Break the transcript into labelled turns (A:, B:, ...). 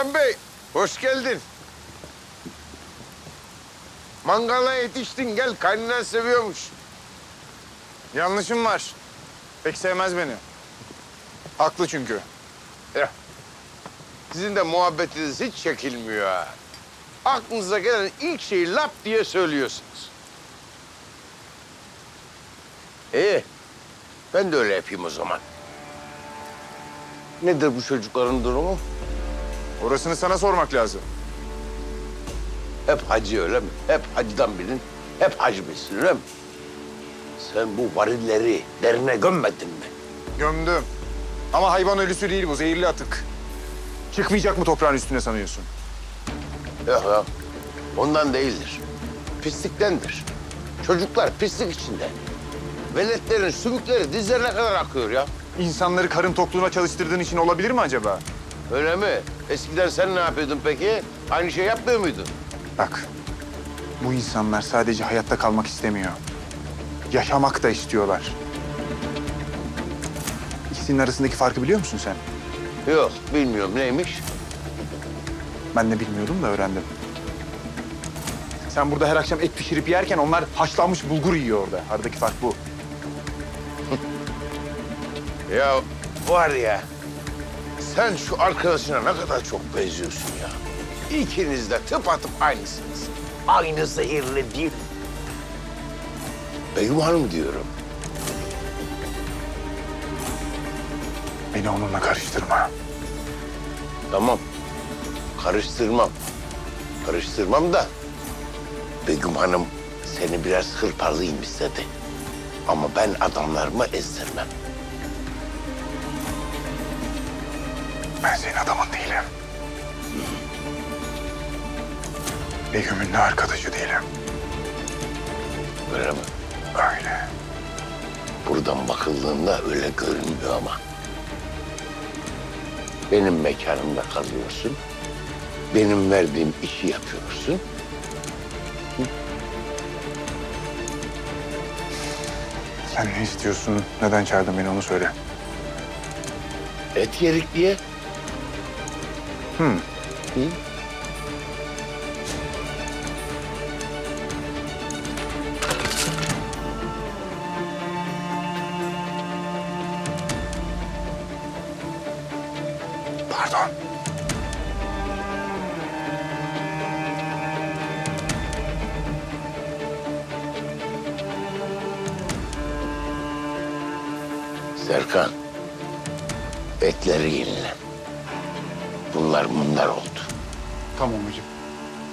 A: Serkan Bey, hoş geldin. Mangala yetiştin, gel. Kaynanan seviyormuş.
B: Yanlışım var. Pek sevmez beni. Haklı çünkü.
A: Ya, sizin de muhabbetiniz hiç çekilmiyor ha. Aklınıza gelen ilk şeyi lap diye söylüyorsunuz. İyi, ben de öyle yapayım o zaman. Nedir bu çocukların durumu?
B: Orasını sana sormak lazım.
A: Hep hacı öyle mi? Hep hacıdan bilin, hep hacı bilsin öyle mi? Sen bu varilleri derine gömmedin mi?
B: Gömdüm. Ama hayvan ölüsü değil bu, zehirli atık. Çıkmayacak mı toprağın üstüne sanıyorsun?
A: Yok ya, ondan değildir. Pisliktendir. Çocuklar pislik içinde. Veletlerin sümükleri dizlerine kadar akıyor ya.
B: İnsanları karın tokluğuna çalıştırdığın için olabilir mi acaba?
A: Öyle mi? Eskiden sen ne yapıyordun peki? Aynı şey yapmıyor muydun?
B: Bak, bu insanlar sadece hayatta kalmak istemiyor. Yaşamak da istiyorlar. İkisinin arasındaki farkı biliyor musun sen?
A: Yok, bilmiyorum. Neymiş?
B: Ben de bilmiyordum da öğrendim. Sen burada her akşam et pişirip yerken onlar haşlanmış bulgur yiyor orada. Aradaki fark bu.
A: Ya var ya, sen şu arkadaşına ne kadar çok benziyorsun ya. İkiniz de tıpatıp aynısınız. Aynı zehirli dil. Begüm Hanım diyorum.
B: Beni onunla karıştırma.
A: Tamam, karıştırmam. Karıştırmam da Begüm Hanım seni biraz hırpalayayım istedi. Ama ben adamlarımı ezdirmem.
B: Ben senin adamın değilim. Begüm'ün de arkadaşı değilim.
A: Öyle mi?
B: Öyle.
A: Buradan bakıldığında öyle görünmüyor ama. Benim mekanımda kalıyorsun. Benim verdiğim işi yapıyorsun.
B: Sen ne istiyorsun? Neden çağırdın beni onu söyle.
A: Et yerik diye. Hı?
B: Pardon.
A: Serkan, etleri yenile. Bunlar oldu.
B: Tamam hocam.